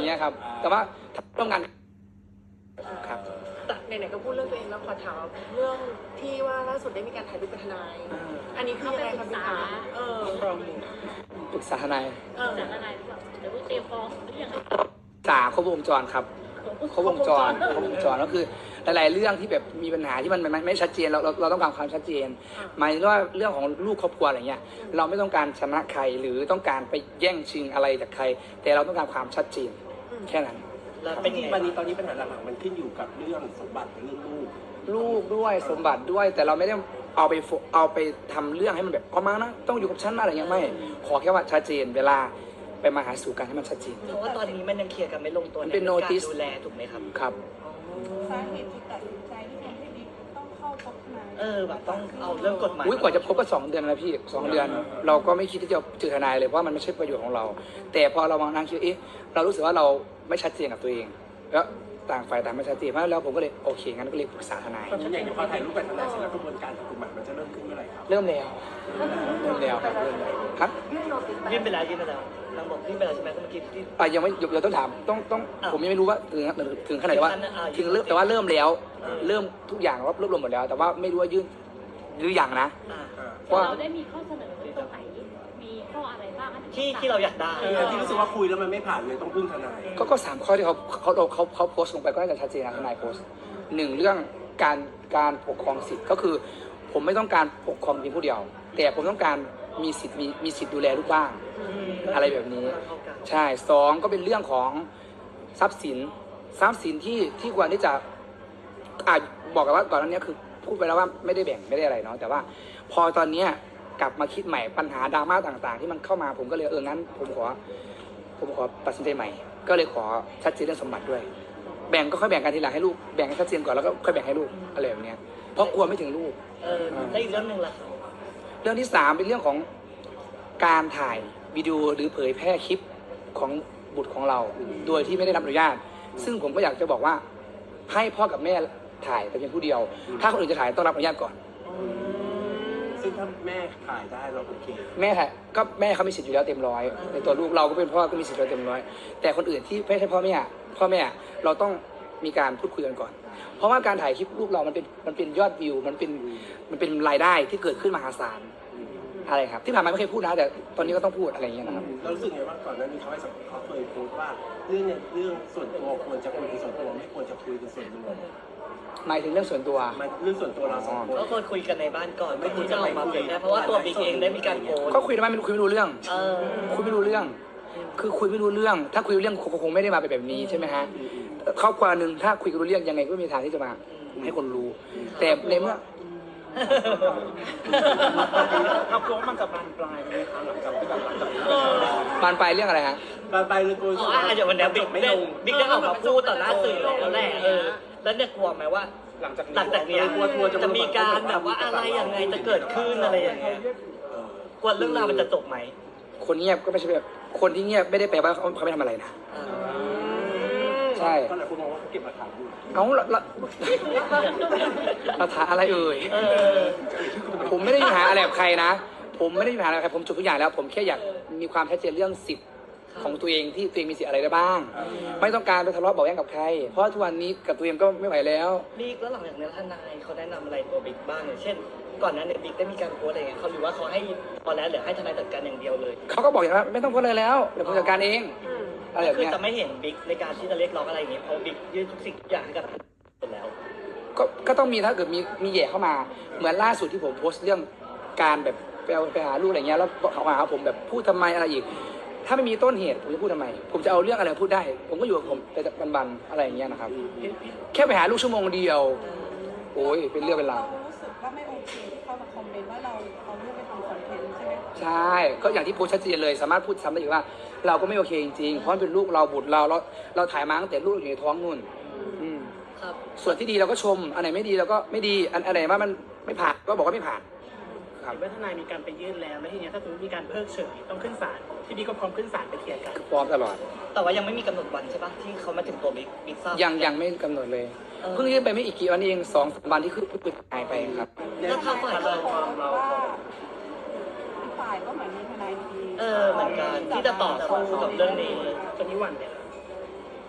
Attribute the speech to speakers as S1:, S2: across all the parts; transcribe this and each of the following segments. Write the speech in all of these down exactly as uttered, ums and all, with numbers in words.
S1: เงี้ยครับแต่ว่าร่วมงานครับ
S2: แต่ไหนๆก็พูดเรื่องตัวเองแล้วขอถามเรื่องที่ว่าล่าสุดได้มีการถ่ายรูปเป็นทนายอันนี้คือยังไงครับพี่คะเออ
S1: ปรึกษาทนาย
S2: เออ
S3: ปรึกษาทนายหรือเปล่าหรือว่าเตรียมฟ้องหรือยังไง
S1: สาครบวงจรครับครบวงจรครบวงจรก็คือหลายๆเรื่องที่แบบมีปัญหาที่มันไม่ไม่ชัดเจนเราเราเราต้องการความชัดเจนหมายถึงว่าเรื่องของลูกครอบครัวอะไรเงี้ยเราไม่ต้องการชนะใครหรือต้องการไปแย่งชิงอะไรจากใคร แต่เราต้องการความชัดเจนแค่นั้น
S4: แล้วเป็นวันนี้ตอนนี้ปัญหาหลักๆมันขึ้นอยู่กับเรื่องสมบัติกับเรื่องลูก
S1: ลูกด้วยสมบัติด้วยแต่เราไม่ได้เอาไปเอาไปทำเรื่องให้มันแบบเอามานะต้องอยู่กับฉันอะไรเงี้ยไม่ขอแค่ว่าชัดเจนเวลาไปมาหาสู่กันให้มันชัดเจน
S5: เพราะว่าตอนนี้มันยังเคลียร์กันไม่ลงตัวใน
S1: เป็น
S5: การ
S1: notice
S5: ดูแลถูกไหมครับ
S1: ครับ
S6: สาเหตุที่ตัดสินใจที่ทำให้บิ๊กต้องเข้าพบทนาย
S5: เออแบบต้องเอาเรื่องกฎหมาย
S1: อุ้ยกว่าจะพบก็สองเดือนแล้วพี่สองเดือน เราก็ไม่คิดที่จะเจอทนายเลยเพราะมันไม่ใช่ประโยชน์ของเรา แต่พอเรามานั่งคิดเอ๊ะเรารู้สึกว่าเราไม่ชัดเจนกับตัวเองแล้วต่างฝ่ายต่างไม่ชัดเจนเพราะแล้วผมก็เลยโอเคงั้นก็เลยปรึกษาทนาย
S4: อย่างเดี๋ยวพอถ่ายรูปกับทนายเสร็จแล้วกระบวนการทางกฎหมายมันจะเริ่มขึ้นเมื่อไหร่ครับ
S1: เริ่มแล้วเริ่มแล้วครับเริ่มแล้วครับ
S5: ยื่นไปแล้วยื่นไปแล้วนางบอกยื่นไปแล้วใช่ไหมเมื่อกี้ที่
S1: อ่ะยังไม่เดี๋ยวต้องถามต้องต้องผมยังไม่รู้ว่าถึงถึงขนาดว่าถึงเริ่มแต่ว่าเริ่มแล้วเริ่มทุกอย่างรวบรวมหมดแล้ว แต่ว่าไม่รู้ว่ายื่นหรือยังนะ
S3: ว่าเราได้มีข้อเสนอตรงไหนมีข้ออะไรบ้าง
S5: ที่ที่เราอยากได้
S4: ที่รู้สึกว่าคุยแล้วมันไม่ผ่านเลยต้องพึ่งทนาย
S1: ก็ก็สามข้อที่เขาเขาเขาเขาโพสต์ลงไปก็น่าจะชัดเจนนะทนายโพสต์หนึ่งเรื่องการการปกครองสิทธิ์ก็คือ ผมไม่ต้องการปกครองเพียงผู้เดียว แต่ผมต้องการมีสิทธิ์มีมีสิทธิ์ดูแลลูกบ้างอะไรแบบนี้ใช่สองก็เป็นเรื่องของทรัพย์สินทรัพย์สินที่ที่ควรที่จะอาจบอกกันว่าก่อนหน้านี้คือพูดไปแล้วว่าไม่ได้แบ่งไม่ได้อะไรเนาะแต่ว่าพอตอนนี้กลับมาคิดใหม่ปัญหาดราม่าต่างๆที่มันเข้ามาผมก็เลยเอองั้นผมขอผมขอตัดสินใจใหม่ก็เลยขอชัดเจนเรื่องสมบัติด้วยแบ่งก็ค่อยแบ่งกันทีหลังให้ลูกแบ่งให้ชัดเจนก่อนแล้วก็ค่อยแบ่งให้ลูกอะไรแบบนี้เพราะกลัวไม่ถึงลูก
S5: เออแล้วอีกเรื่องหนึ่งล่ะ
S1: เรื่องที่สามเป็นเรื่องของการถ่ายวิดีโอหรือเผยแพร่คลิปของบุตรของเราโดยที่ไม่ได้รับอนุญาตซึ่งผมก็อยากจะบอกว่าให้พ่อกับแม่ถ่ายแต่เพียงผู้เดียวถ้าคนอื่นจะถ่ายต้องรับอนุญาตก่อน
S4: ซึ่งถ้าแม่ถ่ายได้เราโอเค
S1: แม่ถ่ายก็แม่เขามีสิทธิ์อยู่แล้วเต็มร้อยในตัวลูกเราก็เป็นพ่อก็มีสิทธิ์อยู่แล้วเต็มร้อยแต่คนอื่นที่ไม่ใช่พ่อแม่พ่อแม่เราต้องมีการพูดคุยกันก่อนเพราะว่าการถ่ายคลิปลูกเรามันเป็นมันเป็นยอดวิวมันเป็นมันเป็นรายได้ที่เกิดขึ้นมหาศาลอะไรครับที่ผ่านมาไม่เคยพูดนะแต่ตอนนี้ก็ต้องพูดอะไรอย่างเงี้ยนะครับ
S4: เรารู้สึกไงว่าก่อนหน้านี้เขาให้สัมเขาเคยพูดว่าเรื่องเนี่ยเรื่องส่วนตัวควรจะคุยเป็นส่วนตัวไม่ควรจะคุยเป็นส่วนรวม
S1: หมายถึงเรื่องส่วนตัว
S4: เรื่องส่วนตัวเราสองคน
S5: ก็ควรคุยกันในบ้านก่อนไม่ควรจะออกมาเผยแพร่เพราะว่าตัวบิ๊กเองได้มีการโพส
S1: ก็คุยทำไมไม่คุยไม่รู้เรื่องคุยไม่รู้เรื่องคือคุยไม่รู้เรื่องถ้าคุยรู้เรื่องคงไม่ได้มาเป็นแบบนี้ใช่ไหมฮะครอบครัวหนึ่งถ้าคุยรู้เรื่องยังไงก็มีทางที่จะมาให้คนรู้แต่ในเมื่อ
S4: ครับเพราะมันจะบานปลายไหมคะหลังจากที่แบบหลังจาก
S1: บานปลายเรื่องอะไรฮะ
S4: บานปลายเลยกู
S5: อ๋อเดี๋ยววันนี้บิ๊กได้บิ๊กได้ออกมาพูดต่อหน้าสื่อแล้วแหละเออแล้วเนี่ยกลัวไหมว่า
S4: หลังจาก
S5: หลังจากนี้จะมีการแบบว่าอะไรยังไงจะเกิดขึ้นอะไรอย่างเงี้ยกลัวเรื่องราวมันจะจบไหม
S1: คนเงียบก็ไม่ใช่แบบคนที่เงียบไม่ได้แปลว่าเขาเขาไม่ทำอะไรนะใช่
S4: ก็หลายคนมองว่าเขาเก็บหลักฐานอยู่
S1: เอาละละหลักฐานอะไรเอ่ยผมไม่ได้มีปัญหาอะไรกับใครนะผมไม่ได้มีปัญหาอะไรกับใครผมจบทุกอย่างแล้วผมแค่อยากมีความชัดเจนเรื่องสิทธิ์ของตัวเองที่ตัวเองมีสิทธิ์อะไรได้บ้างไม่ต้องการไปทะเลาะเบาแว้งกับใครเพราะทุกวันนี้กับตัวเองก็ไม่ไหวแล้ว
S5: บิ๊กแล้วหลังจากนี้ทนายเขาแนะนำอะไรตัวบิ๊กบ้างอย่างเช่นก่อนนั้นเนี่ยบิ๊กได้มีการโพสอะไรเงี้ยเขาหรือว่าเขาให้พอแล้วหรือให้ทนายจัดการอย่างเดียวเลย
S1: เขาก็บอกอย่างนั้นไม่ต้องโพสอะไรแล้วเดี๋ยวผมจัดการเอง
S5: อะไรแบบนี้คือจะไม่เห็นบิ๊กในการที่จะเรียกร้องอะไรอย่างเงี้ยเพราะบิ๊กยื่นทุกสิ่งทุกอย่างให้กับหมดแล้ว
S1: ก็ก็ต้องมีถ้าเกิดมีมีแย่เข้ามาเหมือนล่าสุดที่ผมโพสต์เรื่องการแบบไปเอาไปหาลูกอะไรเงี้ยแล้วเขาหาผมแบบพูดทำไมอะไรอีกถ้าไม่มีต้นเหตุผมจะพูดทำไมผมจะเอาเรื่องอะไรพูดได้ผมก็อยู่กับผมไปบันๆอะไรอย่างเงี้ยนะครับแค่ไปหาลูกชั่วโมงเดียวโอ้ยเป็นเรื่องเป็นราว
S6: รู้สึกว่าไม่โอเคที่เขามาคอมเมนต์ว่าเราเอาลูกไปทำคอนเทนต์ใช่ไหม
S1: ใช่ก็อย่างที่โพสต์ชัดเจนเลยสามารถพูดซ้ำได้อีกว่าเราก็ไม่โอเคจริงๆเพราะเป็นลูกเราบุตรเราเราเราถ่ายมาตั้งแต่ลูกอยู่ในท้องนู่นส่วนที่ดีเราก็ชมอันไหนไม่ดีเราก็ไม่ดีอันไหนว่ามันไม่ผ่านก็บอกว่าไม่ผ่าน
S2: เห็นว่าทนายมีการไปยื่นแล้วแล้วทีนี้ถ้าสมมติมีการเพิกเฉยต้องขึ้นศาลที่บิ๊กก็พร้อมขึ้นศาลไปเคลียร์กัน
S1: พร้อมตลอด
S5: แต่ว่ายังไม่มีกำหนดวันใช่ปะที่เขามาถึงตัวบิ๊กบิ๊กทราบ
S1: ยังยังไม่กำหนดเลยเพิ่งยื่นไปไม่อีกกี่วันเองสองสามวันที่คือเพิ่งหายไปครับ
S5: แล้วทางฝ่ายเรา
S6: ฝ่ายก็เหมือนมีทนายดี
S5: เออเหมือนกันที่จะต่อสู้กับเรื่องนี้
S2: ตอนนี้วันเนี่ย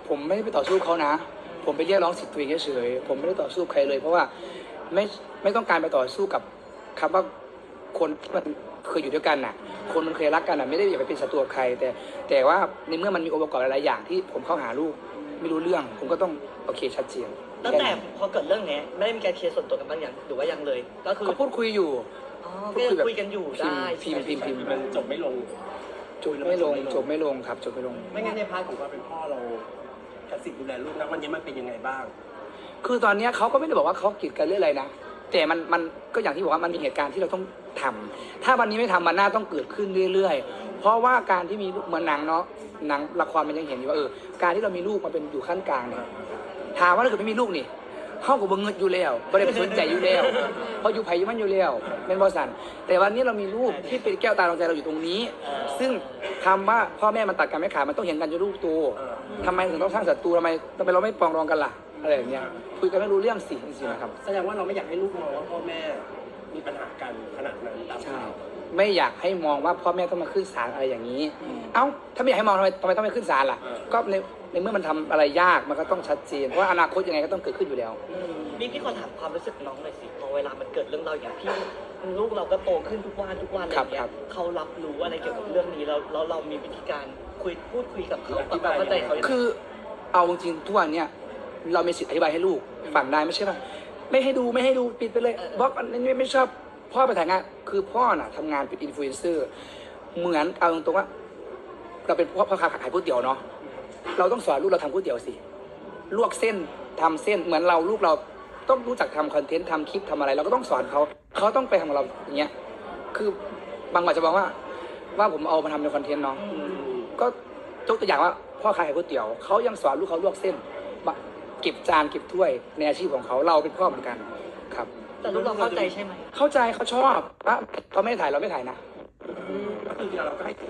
S1: ผมไม่ได้ไปต่อสู้เขานะ ผมไปเรียกร้องสิทธิ์ตัวเองเฉยๆผมไม่ได้ต่อสู้ใครเลย เพราะว่าไม่ไม่ต้องการไปต่อสู้กับคำว่าคนที่มันเคยอยู่ด้วยกันน่ะ คนมันเคยรักกันน่ะไม่ได้อยากไปเป็นศัตรูกับใคร แต่แต่ว่าในเมื่อมันมีองค์ประกอบหลายๆอย่างที่ผมเข้าหาลูกไม่รู้เรื่อง ผมก็ต้องโอเคชัดเจน
S5: ตั้งแต่พอเกิดเรื่องเนี้ยไม่ได้มีการเคลียร์ส่วนตัวกันบ้างอย่างหรือว่ายังเลย ก็คือ
S1: ก็พูดคุยอยู่
S5: อ๋อก็ยังคุยกันอยู่ได้
S1: พิมพ์พิมพ์พิมพ์พิมพ์
S4: มันจบไม่ลง
S1: จบไม่ลงจบไม่ลงครับจบไม่ลง
S4: ไม่งั้นในพาร์ทของความเป็นพ่อเรากับสิ่งดูแลลูกนะวันนี้มันเป็นยังไงบ้าง
S1: คือตอนเนี้ยเขาก็ไม่ได้บอกว่าเขากีดกันเรื่องอะไรนะ แต่มันมันก็อย่างที่บอกว่ามันมีเหตุการณ์ที่เราต้องทำถ้าวันนี้ไม่ทำมันน่าต้องเกิดขึ้นเรื่อยๆ เพราะว่าการที่มีลูกเหมือนหนังเนาะหนังละครมันยังเห็นอยู่ว่าเออการที่เรามีลูกมาเป็นอยู่ขั้นกลางเนี่ยถามว่าถ้าเกิดไม่มีลูกนี่เขาก็บ่เงินอยู่แล้วไม่ได้ไปสนใจอยู่แล้วเพราะอยู่ไผ่อยู่มันอยู่แล้วเป็นบริษัทแต่วันนี้เรามีลูกที่เป็นแก้วตาดวงใจเราอยู่ตรงนี้ ซึ่งคำว่าพ่อแม่มันตัดกันไม่ขาดมันต้องเห็นกันอยู่ลูกโตทำไมถึงต้องสร้างศัตรูทำไมทำไมเราไม่ปรองดองกันล่ะอะไรอย่างเงี้ยคุยกันไม่รู้เรื่องสิจริงๆนะครับ
S4: แสดงว่าเราไม่อยากให้ลูกมองว่าพ่อแม่มีปัญหากันขนาดนั้นตาม
S1: ใช่
S4: ข่าว
S1: ไม่อยากให้มองว่าพ่อแม่ต้องมาขึ้นศาลอะไรอย่างนี้ เอ้าถ้าไม่อยากให้มองทำไมทำไมต้องไปขึ้นศาลล่ะ ก็ในในเมื่อมันทำอะไรยากมันก็ต้องชัดเจนเพราะว่าอนาคตยังไงก็ต้องเกิดขึ้นอยู่แล้ว
S5: บิ๊กพี่ขอถามความรู้สึกน้องหน่อยสิพอเวลามันเกิดเรื่องเราวอย่างพี่ลูกเราก็โตขึ้นทุกวันทุกวันอะไรอย่างเงี้
S1: ครั
S5: ย
S1: บ
S5: เขารับรู้อะไรเกี่ยวกับเรื่องนี้แล้วแล้วเรามีวิธีการคุยพูดคุยกับเขาปรับความเข้าใจเขายังไง
S1: คือเอาจริงๆทุกวันเนี่ยเรามีสิทธิ์อธิบายให้ลูกฟังได้ไม่ใช่ป่ะไม่ให้ดูไม่ให้ดูปิดไปเลยบล็อกอันนี้ไม่ชอบพ่อไปถ่ายงานคือพ่อน่ะทำงานเป็นอินฟลูเอนเซอร์เหมือนเอาตรงๆว่า เราเป็นพ่อพ่อค้าขายก๋วยเตี๋ยวเนาะเราต้องสอนลูกเราทำก๋วยเตี๋ยวสิลวกเส้นทำเส้นเหมือนเราลูกเราต้องรู้จักทำคอนเทนต์ทำคลิปทำอะไร เราก็ต้องสอนเขาเขาต้องไปทำกับเราอย่างเงี้ยคือบางวันจะบอกว่า ว่าผมเอามาทำในคอนเทนต์เนาะก็ยกตัวอย่างว่าพ่อขายก๋วยเตี๋ยวเขายังสอนลูกเขาลวกเส้นมาเก็บจานเก็บถ้วยในอาชีพของเขาเราเป็นพ่อเหมือนกันครับ
S5: แต่ลูกเราเข้าใจใช่ไหม
S1: เข้าใจเขาชอบอ่ะเขาไม่ถ่ายเราไม่ถ่ายนะ
S4: ก็คือเราก็ให้ถึง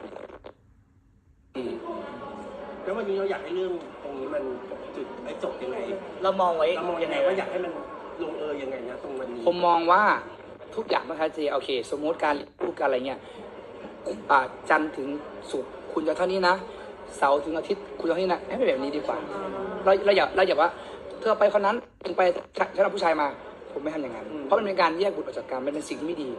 S4: แล้ววันนี้เราอยากให้เรื่องตรงนี้มันจุดไอ้จบยังไง
S5: เรามองไว้
S4: เรามองยังไงว่าอยากให้มันลงเอยยังไงนะตรงวันนี้
S1: ผมมองว่าทุกอย่างต้องชัดเจนโอเค สมมติการพูดการอะไรเงี้ยอ่าจันทร์ถึงศุกร์คุณจะเท่านี้นะเสาร์ถึงอาทิตย์คุณจะเท่านี้นะให้เป็นแบบนี้ดีกว่าเราเราอย่าเราอย่าว่าเธอไปคนนั้นถึงไปฉันเอาผู้ชายมา ผมไม่ทำอย่างนั้น เพราะมันเป็นการแยกบุตรออกจากกันมันเป็นสิ่งที่ไม่ดี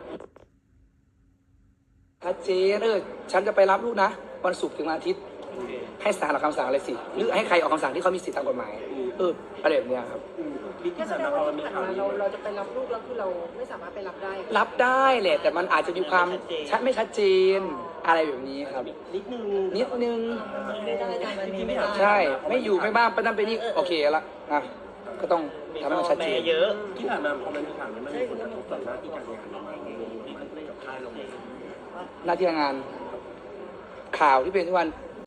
S1: ชัดเจนเออฉันจะไปรับลูกนะวันศุกร์ถึงวันอาทิตย์ให้ศาลออกคำสั่งอะไรสิหรือให้ใครออกคำสั่งที่เขามีสิทธิตามกฎหมายเอออะไรแบบเนี้ยครับ
S4: อืมบิ๊ก
S2: ก็
S4: ที่
S2: แส
S4: ผ่าน
S2: ดง
S4: มาพอ
S2: ว่า
S4: มันมี
S2: ที่ผ่าน
S4: ข่าว
S2: มา
S4: นี้
S2: เราเราจะไปรับลูกแล้วคือเราไม่สามารถไปรับได้
S1: รับได้แหละแต่มันอาจจะมีความชัดไม่ชัดเจนอะไรแบบนี้ครับ
S4: นิดนึง
S1: นิดนึง
S5: ไม่ได้ทำอันนี้ไม่ได้
S1: ใช่ ไม่อยู่ไม่บ้างไปนั่นไปนี่โอเคละนะก็ต้อง
S5: มี
S1: ทำให้มันชัดเจน
S5: แม่เยอะ
S4: ที่ผ่านมาพอมันมีข่าวนี้มันมีผลกระทบต่อหน้าที่การงานเราไหมที่กับค่ายเราไหม
S1: หน้าที่การงาน ข่าวที่เป็นทุกวัน